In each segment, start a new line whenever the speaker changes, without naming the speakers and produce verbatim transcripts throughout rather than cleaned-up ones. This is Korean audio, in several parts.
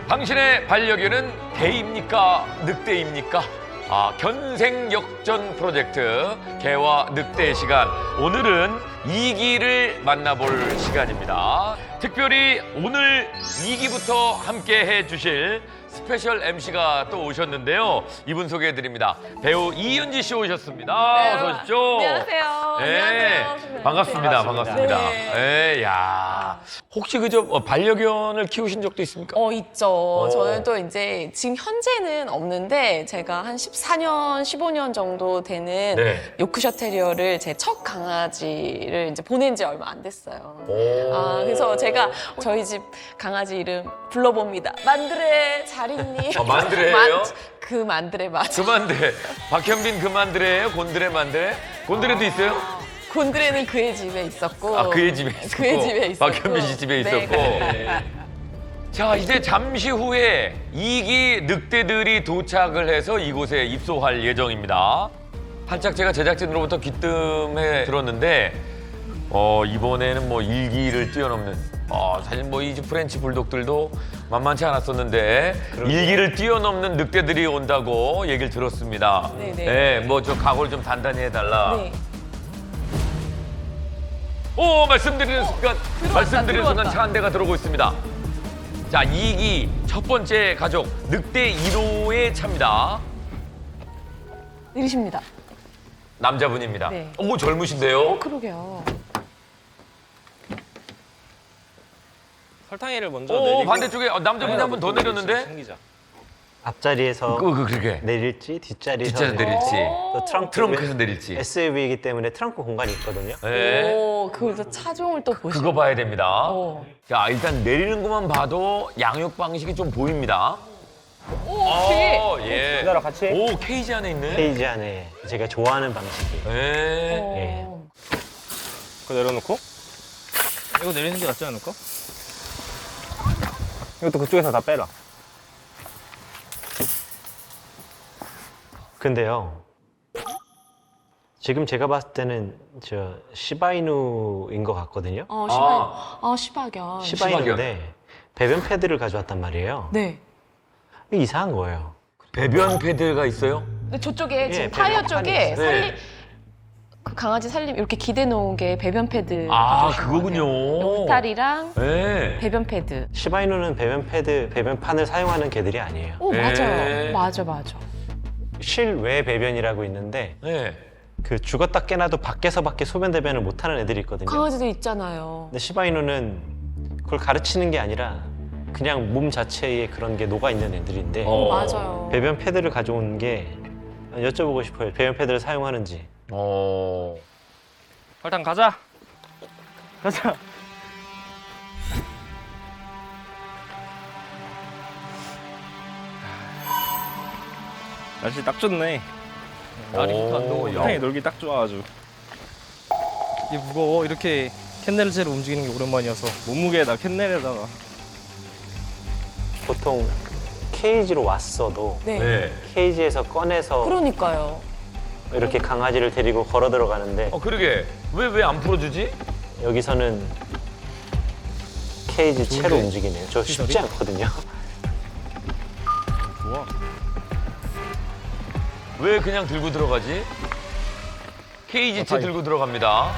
당신의 반려견은 개입니까? 늑대입니까? 아, 견생역전 프로젝트 개와 늑대의 시간. 오늘은 이기를 만나볼 시간입니다. 특별히 오늘 이기부터 함께 해주실 스페셜 엠씨가 또 오셨는데요. 이분 소개해드립니다. 배우 이윤지 씨 오셨습니다.
네,
어서 오십시오.
안녕하세요.
네,
안녕하세요.
반갑습니다.
반갑습니다.
반갑습니다. 네, 야, 혹시 그저 어, 반려견을 키우신 적도 있습니까?
어, 있죠. 저는 또 이제 지금 현재는 없는데 제가 한 십사 년, 십오 년 정도 되는
네.
요크셔 테리어를 제 첫 강아지를 이제 보낸 지 얼마 안 됐어요.
오.
아, 그래서 제가 저희 집 강아지 이름 불러봅니다. 만드레 잘 있니?
아, 만드레예요?
만- 그 만드레 맞아.
그만드레. 박현빈 그만드레예요? 곤드레 만드레? 곤드레도 있어요?
곤드레는 그의 집에 있었고.
아, 그의 집에 있었고.
그의 집에 있었고.
박현빈 씨 집에
네,
있었고.
네.
자, 이제 잠시 후에 이기 늑대들이 도착을 해서 이곳에 입소할 예정입니다. 살짝 제가 제작진으로부터 귀뜸해 들었는데 어, 이번에는 뭐 일기를 뛰어넘는 어, 사실 뭐 이 프렌치 불독들도 만만치 않았었는데 일기를 뛰어넘는 늑대들이 온다고 얘기를 들었습니다.
네네.
네, 뭐 저 각오를 좀 단단히 해달라.
네.
오, 말씀드리는 순간,
들어왔다,
말씀드리는 순간
들어왔다.
차 한 대가 들어오고 있습니다. 자, 이기 첫 번째 가족 늑대 일 호의 차입니다.
내리십니다.
남자분입니다.
네.
오, 젊으신데요?
어, 그러게요.
설탕이를 먼저
오,
내리고
반대쪽에 어, 남자분이 한 분 더 내렸는데?
챙기자.
앞자리에서
그, 그, 그렇게.
내릴지 뒷자리에서
뒷자리 내릴지.
또 트렁크
트렁크에서 내릴지.
에스유브이이기 때문에 트렁크 공간이 있거든요.
네.
오, 그래서 차종을 또 보시고.
그거 봐야 됩니다.
어.
자, 일단 내리는 것만 봐도 양육 방식이 좀 보입니다.
오, 되게.
어, 예.
기다려, 같이.
오, 케이지 안에 있네.
페이지 안에 제가 좋아하는 방식이에요.
네.
어.
그거 내려놓고 이거 내리는 게 낫지 않을까? 이것도 그쪽에서 다 빼라.
근데요. 지금 제가 봤을 때는 저 시바이누인 것 같거든요.
어, 시바, 아, 시바견.
시바이누인데 배변 패드를 가져왔단 말이에요.
네.
이게 이상한 거예요.
배변 패드가 있어요?
근데 저쪽에 지금
예,
타이어
배변
쪽에
판이 있어요.
살림,
네.
그 강아지 살림 이렇게 기대 놓은 게 배변 패드.
아,
가져오신 것
그거군요.
같아요. 울타리랑
네.
배변 패드.
시바이누는 배변 패드, 배변판을 사용하는 개들이 아니에요.
오,
네.
맞아요. 맞아, 맞아.
실외 배변이라고 있는데
네.
그 죽었다 깨나도 밖에서밖에 소변 대변을 못하는 애들이 있거든요.
강아지도 있잖아요.
근데 시바이누는 그걸 가르치는 게 아니라 그냥 몸 자체에 그런 게 녹아 있는 애들인데
어.
맞아요.
배변 패드를 가져온 게 여쭤보고 싶어요. 배변 패드를 사용하는지.
어.
설탕 가자. 가자. 날씨 딱 좋네. 날이
오,
좋다. 안 더워.
야.
설탕이 놀기 딱 좋아 아주. 이게 무거워. 이렇게 캔넬체로 움직이는 게 오랜만이어서 몸무게에다 캔넬에다가
보통 케이지로 왔어도
네.
네.
케이지에서 꺼내서
그러니까요.
이렇게 강아지를 데리고 걸어 들어가는데
어, 그러게. 왜, 왜 안 풀어주지?
여기서는 케이지 채로
좋은데?
움직이네요. 저 쉽지
시설이?
않거든요.
좋아.
왜 그냥 들고 들어가지? 케이지 채
어,
들고 들어갑니다.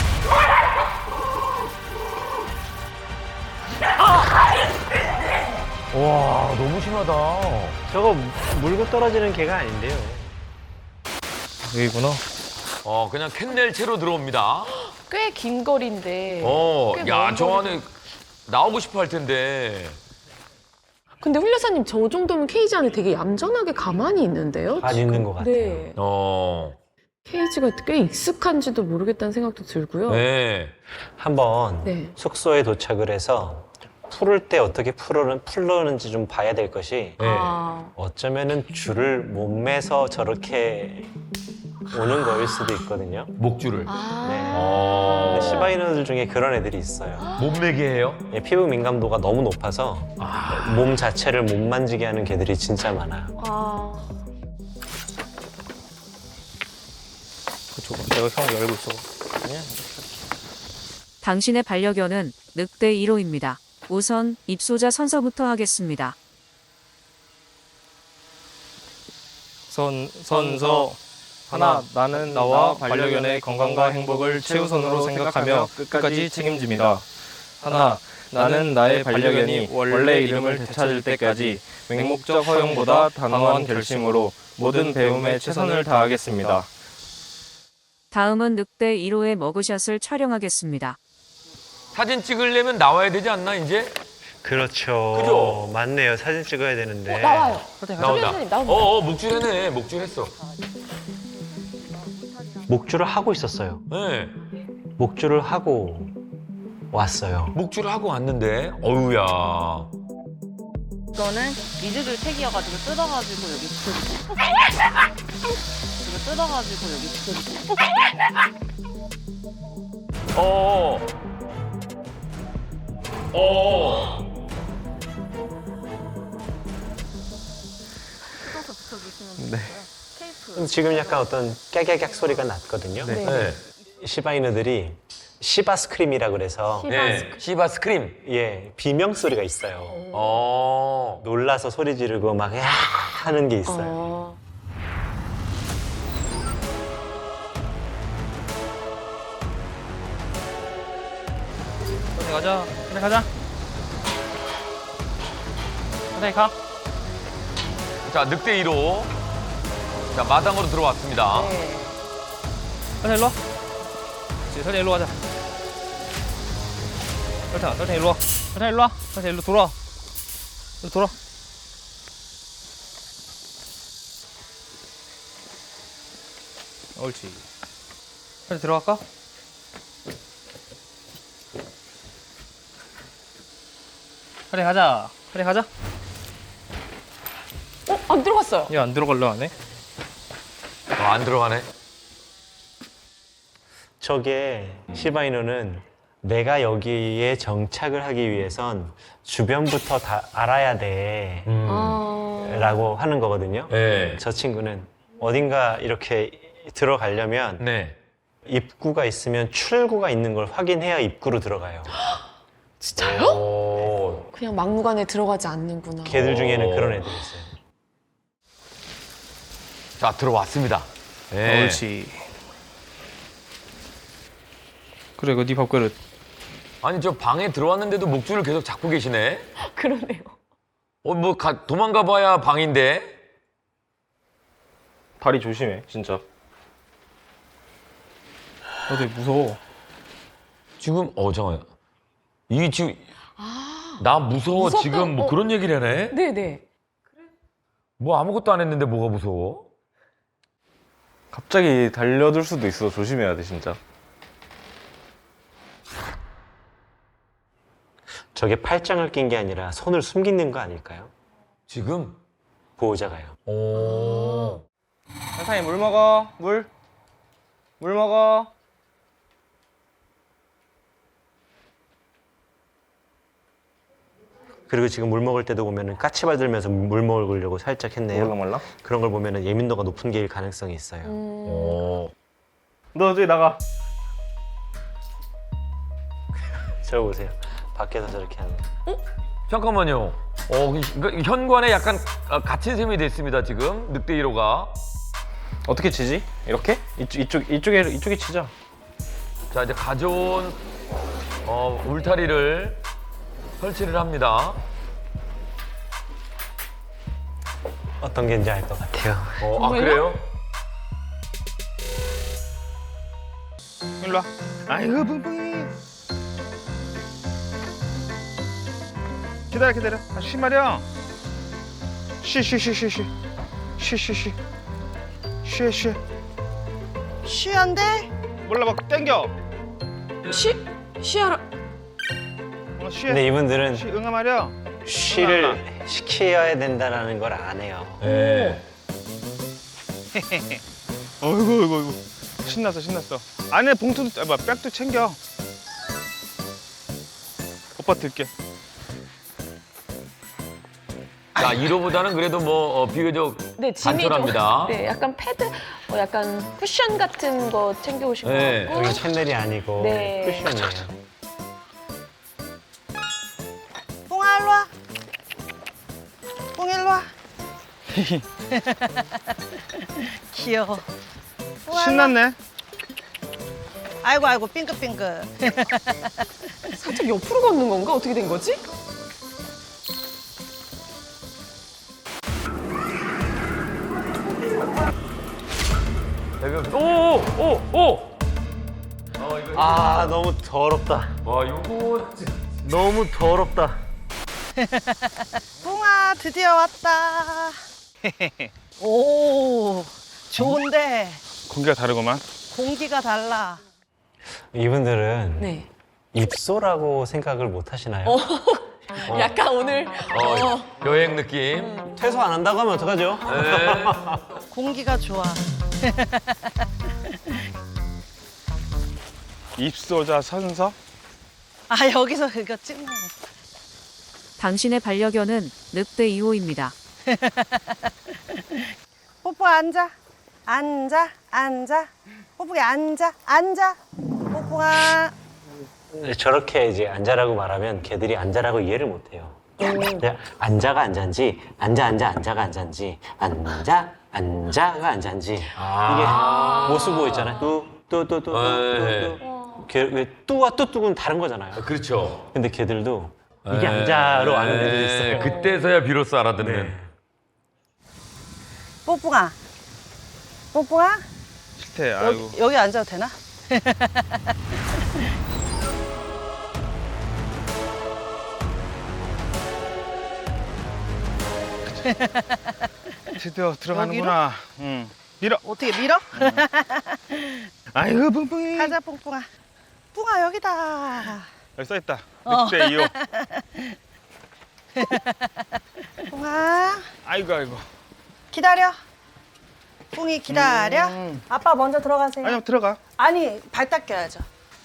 와, 너무 심하다.
저거 물고 떨어지는 개가 아닌데요.
여기구나.
어, 그냥 캔넬 채로 들어옵니다.
꽤 긴 거리인데.
어,
꽤
야,
먼
저
거리.
안에 나오고 싶어 할 텐데.
근데 훌여사님 저 정도면 케이지 안에 되게 얌전하게 가만히 있는데요?
안 있는 것 같아요.
네.
어,
케이지가 꽤 익숙한지도 모르겠다는 생각도 들고요.
네.
한번
네.
숙소에 도착을 해서 풀을 때 어떻게 풀어는, 풀러는지 좀 봐야 될 것이
네.
아,
어쩌면은 줄을 못 매서 저렇게 오는 거일 수도 있거든요.
목줄을.
아.
네.
어,
근데 시바이누들 중에 그런 애들이 있어요.
몸매게 해요?
예, 피부 민감도가 너무 높아서 몸 자체를 못 만지게 하는 개들이 진짜 많아요.
아.
그쪽 내가 형 열고 있어.
그냥
당신의 반려견은 늑대 일 호입니다. 우선 입소자 선서부터 하겠습니다.
선, 선서 하나, 나는 나와 반려견의 건강과 행복을 최우선으로 생각하며 끝까지 책임집니다. 하나, 나는 나의 반려견이 원래 이름을 되찾을 때까지 맹목적 허용보다 단호한 결심으로 모든 배움에 최선을 다하겠습니다.
다음은 늑대 일 호의 머그샷을 촬영하겠습니다.
사진 찍으려면 나와야 되지 않나 이제?
그렇죠.
그죠?
맞네요. 사진 찍어야 되는데.
어, 나와요.
나온다.
선생님, 나온다.
어어 목줄했네. 목줄했어.
목줄을 하고 있었어요.
네.
목줄을 하고 왔어요.
목줄을 하고 왔는데 어우야.
이거는 미즈글 택이어가지고 뜯어가지고 여기 이거 뜯어가지고 여기
어. 어.
뜯어서 붙여주시면
네.
되고요. 테이프
지금 약간 어떤 깨깨깍 소리가 났거든요.
네.
네.
시바이누들이 시바스크림이라 그래서
네. 시바 스크림.
예 비명 소리가 있어요.
어.
놀라서 소리 지르고 막 야 하는 게 있어요.
어.
그래 가자. 그래 가자. 그래 가.
자 늑대 일 호. 자 마당으로 들어왔습니다.
네.
설탕 일로 와. 그렇지, 설탕 일로 가자. 설탕, 설탕 일로 와. 설탕 일로 와. 설탕 일로 돌아. 일로 돌아. 옳지. 설탕 들어갈까? 그래 가자. 그래 가자.
어, 안 들어갔어요.
얘 안 들어갈려 안 해?
어, 안 들어가네.
저게 시바이누는 내가 여기에 정착을 하기 위해선 주변부터 다 알아야 돼
음.
아.
라고 하는 거거든요.
네.
저 친구는 어딘가 이렇게 들어가려면
네.
입구가 있으면 출구가 있는 걸 확인해야 입구로 들어가요.
진짜요?
오.
그냥 막무가내 들어가지 않는구나.
걔들 중에는
오.
그런 애들이 있어요.
자 들어왔습니다. 네.
옳지. 그래, 그 네 밥그릇.
아니 저 방에 들어왔는데도 목줄을 계속 잡고 계시네.
그러네요.
어 뭐 도망가 봐야 방인데.
다리 조심해, 진짜. 너 되게 무서워.
지금 어 잠깐. 이 지금
아.
나 무서워
무섭다.
지금 뭐
어.
그런 얘기를 하네.
네네.
뭐 아무것도 안 했는데 뭐가 무서워?
갑자기 달려들 수도 있어. 조심해야 돼, 진짜.
저게 팔짱을 낀 게 아니라 손을 숨기는 거 아닐까요?
지금?
보호자가요.
오.
설탕이 물 먹어. 물. 물 먹어.
그리고 지금 물 먹을 때도 보면은 까치발 들면서 물 먹으려고 살짝 했네요.
몰랑몰랑?
그런 걸 보면은 예민도가 높은 게일 가능성이 있어요.
음.
오.
너 저기 나가.
저 보세요. 밖에서 저렇게 하는 거.
잠깐만요. 어, 그러니까 현관에 약간 아, 갇힌 셈이 됐습니다 지금 늑대 일 호가.
어떻게 치지? 이렇게? 이쪽, 이쪽, 이쪽에, 이쪽에 치자.
자 이제 가져온 어, 울타리를 설치를 합니다.
어떤 게인지 알 것 같아요.
어, 아
정말요?
그래요?
일로 와. 아이고, 뿡뿡이. 기다려, 기다려. 아, 쉬 말이야. 쉬, 쉬, 쉬, 쉬, 쉬. 쉬, 쉬, 쉬. 쉬, 쉬.
쉬 안 돼?
몰라, 막 땡겨.
쉬, 쉬하라.
어, 쉬.
근데 이분들은
쉬, 응아 말이야.
쉬를 시켜야 된다는 걸 안 해요.
네.
어이구, 어이구, 어이구. 신났어, 신났어. 안에 봉투도, 아, 뭐야, 백도 챙겨. 오빠 들게.
자 일 호보다는 그래도 뭐 어, 비교적
네, 짐이 좀.
간편합니다.
네, 약간 패드, 어, 약간 쿠션 같은 거 챙겨오신
네.
것 같고.
여기 캔넬이 아니고
네.
쿠션이에요.
뽕아 일로 와. 뽕 일로 와. 귀여워. 우와,
신났네.
아이고 아이고 빙긋빙긋.
살짝 옆으로 걷는 건가? 어떻게 된 거지?
오, 오, 오.
아 너무 더럽다.
와, 이거
너무 더럽다.
뿡아 드디어 왔다. 오 좋은데
공기가 다르구만.
공기가 달라.
이분들은
네.
입소라고 생각을 못 하시나요?
약간 오늘
어, 여행 느낌.
퇴소 안 한다고 하면 어떡하죠?
네.
공기가 좋아.
입소자 선서?
아 여기서 그거 찍는 거.
당신의 반려견은 늑대 이 호입니다.
뽀뽀 앉아. 앉아 앉아. 뽀뽀게 앉아 앉아. 뽀뽀가.
저렇게 이제 앉아라고 말하면 걔들이 앉아라고 이해를 못 해요. 그냥 앉아가 앉아인지 앉아 앉아 앉아가 앉아인지 앉아 앉아가 앉아인지
아.
이게 모수고 있잖아요. 뚜뚜뚜뚜뚜뚜. 걔왜 뚜와 뚜뚜는 다른 거잖아요.
그렇죠.
근데 걔들도 이게 앉아로 아는 애들이 있어요.
그때서야 비로소 알아듣는.
네.
뽀뽀가. 뽀뽀가.
싫대. 아이고.
여기, 여기 앉아도 되나?
드디어 들어가는구나. 응. 밀어.
어떻게 밀어?
아이고 뿡뿡이.
가자 뿡뿡아. 뿡아 여기다.
여기 써 있다.
어.
늑대 이 호.
뿡아
아이고 아이고.
기다려. 뿡이 기다려. 아빠 먼저 들어가세요.
아니 들어가.
아니 발 닦여야죠.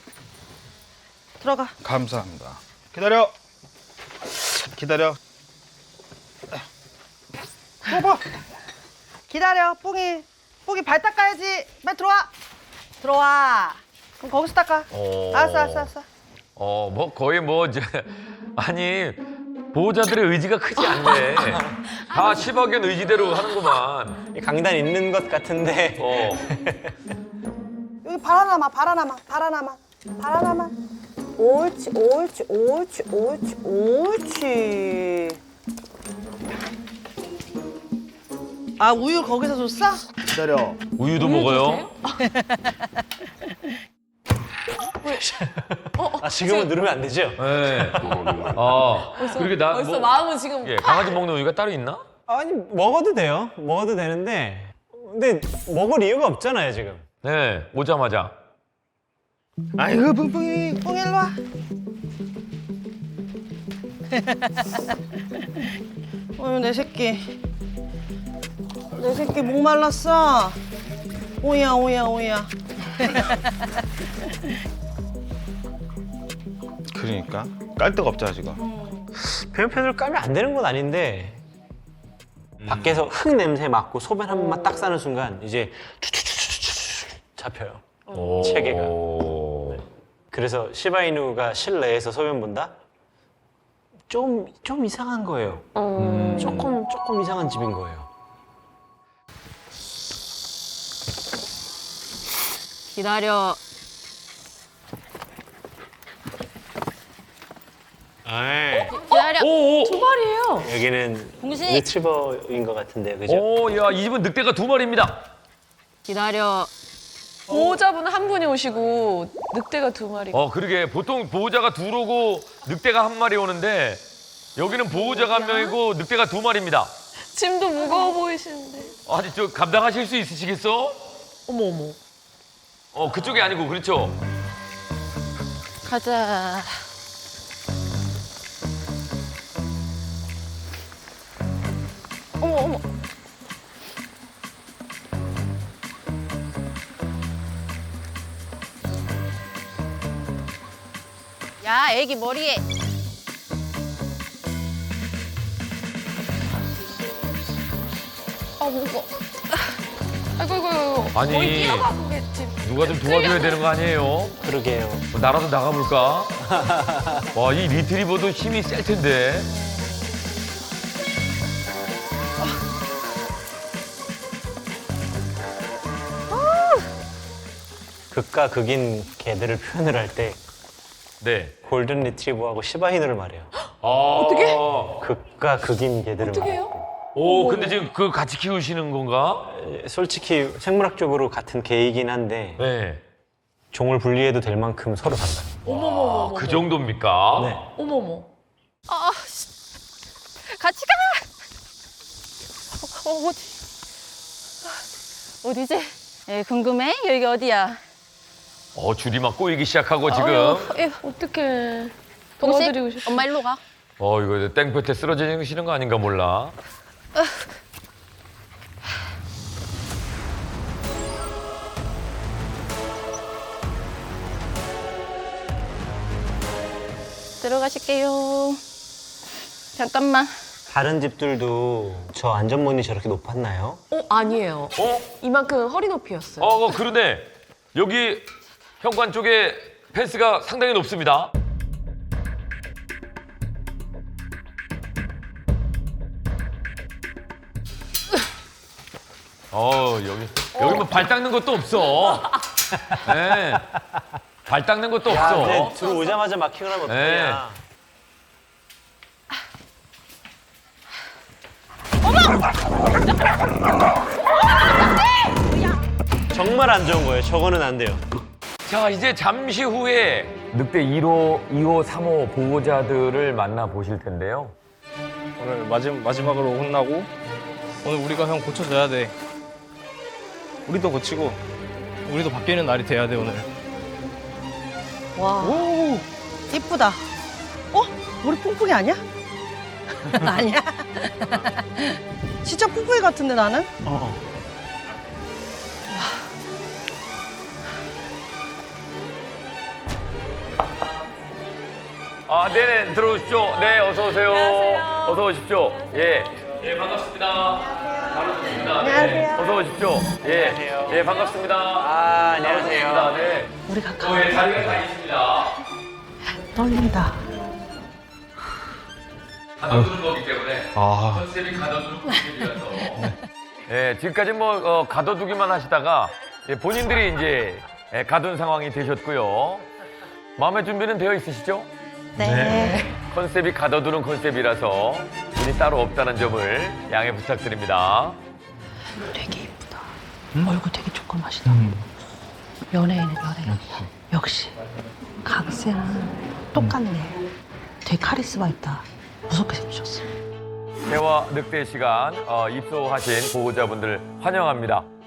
들어가.
감사합니다. 기다려. 기다려. 뽀뽀.
기다려. 뿡이. 뿡이 발 닦아야지. 빨리 들어와. 들어와. 그럼 거기서 닦아.
어.
알았어 알았어 알았어.
어, 뭐 거의 뭐 이제 아니 보호자들의 의지가 크지 않네. 다 십억엔 의지대로 하는구만.
강단 있는 것 같은데
어.
여기 발 하나만 발 하나만 발 하나만 발 하나만. 옳지 옳지 옳지 옳지 옳지. 아 우유 거기서 줬어?
기다려.
우유도 먹어요.
아 지금은 누르면 안 되죠?
네. 아, 그렇게 나
벌써
뭐,
마음은 지금
예, 강아지 먹는 우유가 따로 있나?
아니 먹어도 돼요. 먹어도 되는데 근데 먹을 이유가 없잖아요 지금.
네, 오자마자.
아이고 뿡뿡이.
뿡 일로 와. 어휴 내 새끼. 내 새끼 목 말랐어. 오야 오야 오야.
그러니까 깔 데가 없잖아 지금.
배변팬을 까면 안 되는 건 아닌데 밖에서 흙 냄새 맡고 소변 한 번만 딱 싸는 순간 이제 추추추추추 잡혀요.
오.
체계가. 그래서 시바이누가 실내에서 소변 본다? 좀, 좀 이상한 거예요.
음.
조금, 조금 이상한 집인 거예요.
기다려.
아이,
기다려.
오, 오.
두 마리예요.
여기는
공식.
리트리버인 것 같은데요, 그죠?
오, 야, 이 집은 늑대가 두 마리입니다.
기다려.
보호자분 한 분이 오시고 늑대가 두 마리.
어, 그러게. 보통 보호자가 둘 오고 늑대가 한 마리 오는데 여기는 보호자가 한 명이고 늑대가 두 마리입니다.
짐도 무거워 보이시는데.
아니, 저 감당하실 수 있으시겠어?
어머 어머.
어, 그쪽이 아니고, 그렇죠?
가자.
어머 어머.
야, 애기 머리에.
아 무거. 아이고 아이고 아이고.
아니.
거의 뛰어가겠지.
누가 좀 도와줘야 되는 거 아니에요?
그러게요.
뭐 나라도 나가볼까? 와, 이 리트리버도 힘이 셀 텐데.
극과 극인 개들을 표현을 할 때
네.
골든 리트리버하고 시바이누를 말해요.
어떻게?
극과 극인 개들을
어떻게
말해요.
해요?
오, 근데 지금 그 같이 키우시는 건가?
솔직히 생물학적으로 같은 개이긴 한데
네.
종을 분리해도 될 만큼 서로 달라요.
어머머머.
그 정도입니까?
네.
어머머.
아, 씨. 같이 가. 어, 어디? 아, 어디지? 에, 궁금해? 여기 어디야?
어, 줄이 막 꼬이기 시작하고 지금.
어떡해.
동식,
도와드리고 싶어.
엄마 일로 가.
어, 이거 땡볕에 쓰러지시는 거 아닌가 몰라.
들어가실게요. 잠깐만.
다른 집들도 저 안전문이 저렇게 높았나요?
어, 아니에요.
어?
이만큼 허리 높이였어요.
어, 어, 그러네. 여기 현관 쪽에 펜스가 상당히 높습니다. 어, 여기 여기 뭐 발 닦는 것도 없어. 네. 발 닦는 것도 없어.
네, 들어오자마자 마킹을 하면 어떡하냐. 정말 안 좋은 거예요. 저거는 안 돼요.
자, 이제 잠시 후에 늑대 일 호, 이 호, 삼 호 보호자들을 만나 보실 텐데요.
오늘 마지, 마지막으로 혼나고 오늘 우리가 형 고쳐줘야 돼. 우리도 고치고 우리도 바뀌는 날이 돼야 돼 오늘.
와. 이쁘다. 어? 머리 뿡뿡이 아니야? 아니야. 진짜 뿡뿡이 같은데 나는?
아, 네네, 들어오십시오. 네, 어서 오세요.
안녕하세요.
어서 오십시오. 예. 예, 반갑습니다. 반갑습니다.
안녕하세요.
어서 오십시오. 예. 예, 반갑습니다.
아,
반갑습니다. 네.
우리 가까워.
어, 예, 자리가 다 있습니다.
떨린다.
가둬두는 거기 때문에
아.
컨셉이 가둬두는 컨셉이라서. 예, 지금까지 뭐 어, 가둬두기만 하시다가 예, 본인들이 이제 예, 가둔 상황이 되셨고요. 마음의 준비는 되어 있으시죠?
네.
컨셉이 가둬두는 컨셉이라서 분이 따로 없다는 점을 양해 부탁드립니다.
되게 이쁘다. 얼굴 되게 조그마시다. 연예인은 연예인. 역시 강세랑 똑같네. 되게 카리스마 있다. 무섭게 생기셨어.
대화 늑대 시간 어, 입소하신 보호자분들 환영합니다.